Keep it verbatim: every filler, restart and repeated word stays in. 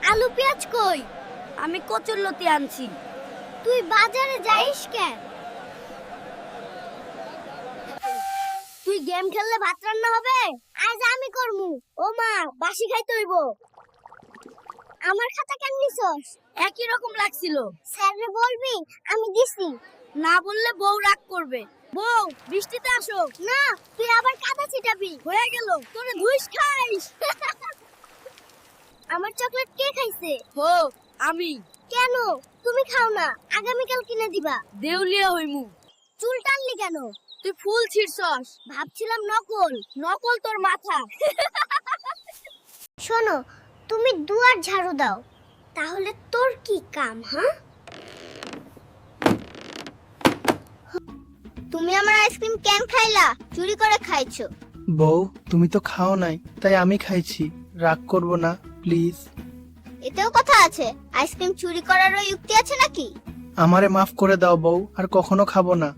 আলু পেঁয়াজ কই? আমি কচুরলতি আনছি। তুই বাজারে যাইস কেন? তুই গেম খেললে ভাত রান্না হবে? আজ আমি করমু। ও মা, বাসি খাইতে হইব। আমার খাতা কেন নিছস? একই রকম লাগছিল। স্যাররে বলবি আমি দিছি। না বললে বউ রাগ করবে। বউ, বৃষ্টিতে আসো। না, তুই আবার কাদা ছিটাবি। হয়ে গেল, তোরে ধুইস খাইস। আমার চকলেট কে খাইছে? হো, আমি। কেন? তুমি খাও না, আগামীকাল কিনে দিবা। দেউলিয়া হইমু। চুল টানলি কেন? তুই ফুল ছিড়ছস। ভাবছিলাম নকল। নকল তোর মাথা। শোনো, তুমি দুয়ার ঝাড়ু দাও, তাহলে তোর কি কাম? হ্যাঁ, তুমি আমার আইসক্রিম কেন খাইলা? চুরি করে খাইছো। বউ, তুমি তো খাও নাই, তাই আমি খাইছি। রাগ করব না প্লিজ। এতেও কথা আছে? আইসক্রিম চুরি করারও যুক্তি আছে নাকি? আমারে মাফ করে দাও বউ, আর কখনো খাবো না।